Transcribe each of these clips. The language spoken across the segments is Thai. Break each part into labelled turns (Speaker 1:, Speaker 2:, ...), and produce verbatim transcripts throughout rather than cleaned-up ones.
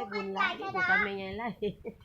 Speaker 1: บุญหลายอยู่กับแม่ยายไล่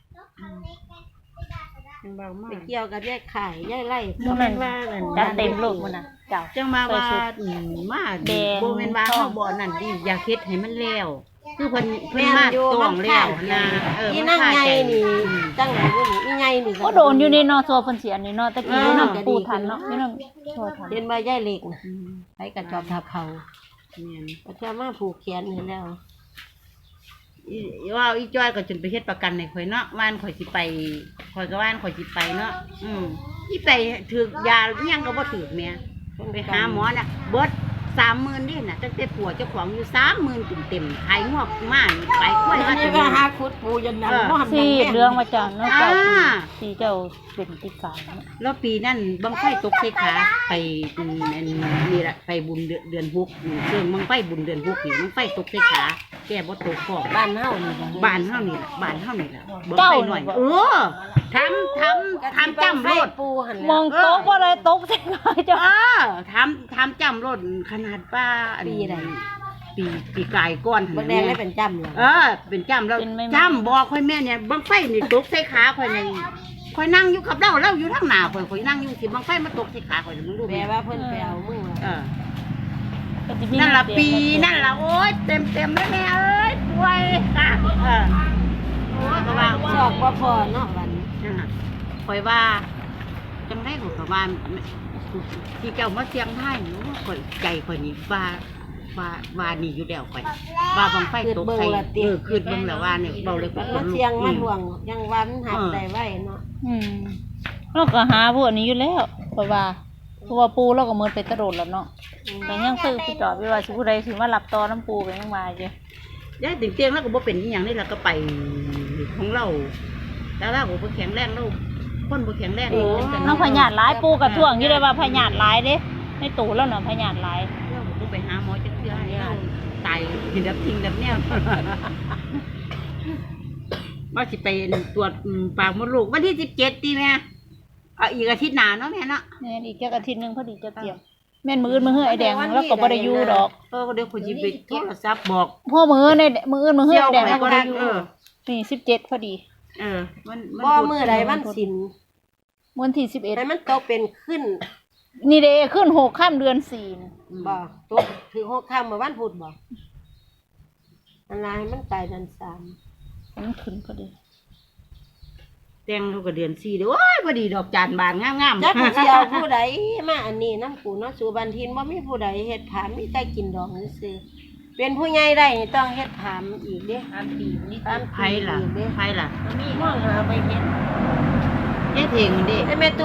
Speaker 2: จังเบามาก
Speaker 1: ไปเกี่ยวกับยายไข่ยายไล่
Speaker 3: บ่แม่นว่าจัดเต็มลูกมันน่ะเจ้า
Speaker 2: จังมาว่ามาบ่แม่นว่าเฮาบ่นั่นดิอยากเฮ็ดให้มันแล้วคือเพิ่นเพิ่นมาต้องแล้วนะเออ
Speaker 1: อี
Speaker 2: มัน
Speaker 1: นั่ง
Speaker 2: คา
Speaker 1: ใหญ่
Speaker 2: ใจ
Speaker 1: นี่จังไหนบ่นี่อีใหญ่นี่
Speaker 3: ก็โดนอยู่ในนอตัวเพิ่นเสียนี่เนาะตะกี้อยู่นำปูทันเนาะอยู่นำตัวทัน
Speaker 1: เห็นบ่ยายเล็กน่ะไปกระจอบทับเขา
Speaker 2: แม่น
Speaker 1: ก็จะมาผูกแขนให้แล้ว
Speaker 2: อีว่าอีจ้อยก็จนไปเฮ็ดประกันให้ข่อยเนาะว่านข่อยสิไปข่อยก็ว่านข่อยสิไปเนาะอืมอีไปถูกยาอิหยังก็บ่ถูกแม่ไปหาหมอน่ะเบิดสามหมื่นนี่น่ะตั้งแต่ผัวเจ้าของอยู่สามหมื่นเต็มๆขายงอกมาไปกล้วย
Speaker 1: อันนี้ก็หาคุดปูยันนั้นบ่หัน
Speaker 3: สิเรื่องว่าจังเนาะ
Speaker 2: อ่า
Speaker 3: เจ้าสิเจ้าเป็นติกาเนาะ
Speaker 2: แล้วปีนั้นบังไฟตกใส่ขาไปอืมอันนี่ล่ะไปบุญเดือนเดือนหกอืมเชิงบังไฟบุญเดือนหกนี่บังไฟตกใส่ขาแก้บ่ตกพอก
Speaker 1: บ้านเฮานี่
Speaker 2: บ้านเฮานี่ล่ะบ้านเฮานี่ล่ะบังไฟหน่อยเออทำทำทำจำรถ
Speaker 1: ปูหัน
Speaker 3: มองโต๊ะบ่ได้ตกใส่ขาเจ้า
Speaker 2: เออทำทำจำรถขนาดป้าอันปีใดปีปีกายก้อน
Speaker 1: บ่แดงได้เป็นจำเลย
Speaker 2: เออ เป็นจำแล้วจำบอกค่อยแม่เนี่ยบังไฟนี่ตกใส่ขาค่อยในค่อยนั่งอยู่กับเราเราอยู่ทางหน้าค่อยค่อยนั่งอยู่สิบังไฟมาตกใส่ขาค่อยมึงดู
Speaker 1: แปลว่าเพิ่นไปเอามึง
Speaker 2: เออนั่นละปีนั่นละโอ๊ยเต็มเต็มเลยแม่เอ้ยป่วยค่ะเออโอ้ยก็ว่า
Speaker 1: สอกบ่พอเนาะวัน
Speaker 2: นั่นน่ะค่อยว่าจังได้ก็ก็ว่าที่เจ้ามาเสียงไทยหนูค่อยใจค่อยนี่ว่าว่าว่านี่อยู่แล้วค่อยว่าบังไฟตกใส่เออคืนเบิ่งแล้วว่าเนี่ยเบาเลย
Speaker 1: มันมาเสียงมันห่วงยังวันหักได้ไว้เนาะ
Speaker 3: อืมเราก็หาพวกนี้อยู่แล้วเพราะว่าเพราะว่าปูเราก็เหมือนไปตะโดดแล้วเนาะแต่ยังซื้อไปจอดไว้ว่าสิผู้ใดสิมารับต่อน้ำปูไปยังมาอยู่
Speaker 2: ยายถึงเตียงแล้วก็บ่เป็นอีหยังนี่ล่ะก็ไปของเราแล้วเราก็บ่แข็งแรงเราคนบ่แข็งแรงจังซั่น
Speaker 3: น้องพญาตหลายปูกับท่วงอยู่เลยว่าพญาตหลายเด้ในตู้แล้วเนาะพญาตหลาย
Speaker 2: เราก็บ่ไปหาหมอจักเทื่อให้เราตายกินดับทิ้งดับแนวว่าสิไปตรวจปากมดลูกวันที่สิบเจ็ดติแม่เอาอีกอาทิตย์หน้าเนาะแม่เนาะ
Speaker 3: แม่นอีกจักอาทิตย์นึงพอดีจะเตรียมแม่นมื้ออื่นมื้อเฮือไอ้แดงแล้วก็บ่ได้อยู่ดอก
Speaker 2: เออเดี๋ยวข่อยสิไปโทรศัพท์บอก
Speaker 3: พ่อมื้อในมื้ออื่นมื้อเฮือไอ้แดงแล้วก็บ่ได้อยู่
Speaker 2: เออ
Speaker 3: นี่สิบเจ็ดพอดี
Speaker 2: เออมันมัน
Speaker 1: บ่มื้อใดวันศีล
Speaker 3: วันที่สิบเอ็ด
Speaker 1: ให้มันตกเป็นขึ้น
Speaker 3: นี่เด้ขึ้นหกค่ำเดือนสี่นะ
Speaker 1: บ่ตกถึงหกค่ำเมื่อวันพุธบ่อันลายมันตายเดือนสาม
Speaker 3: มันขึ้นพอดี
Speaker 2: แต่งเขาก็เดือนสี่เด้อโอ้ยพอดีดอกจานบานงามๆ
Speaker 1: จักสิเอาผู้ใดมาอันนี้นำกูเนาะสู่บันทินบ่มีผู้ใดเฮ็ดผามมีแต่กินดอกซื่อๆเป็นผู้ใหญ่ได้นี่ต้องเฮ็ดผามอีกเด้ผามปีนี่
Speaker 2: ไผล่ะไผล่ะ
Speaker 1: มีมองหาไปเห็น
Speaker 2: ยายเทงมันเด้
Speaker 1: ไอ้แม่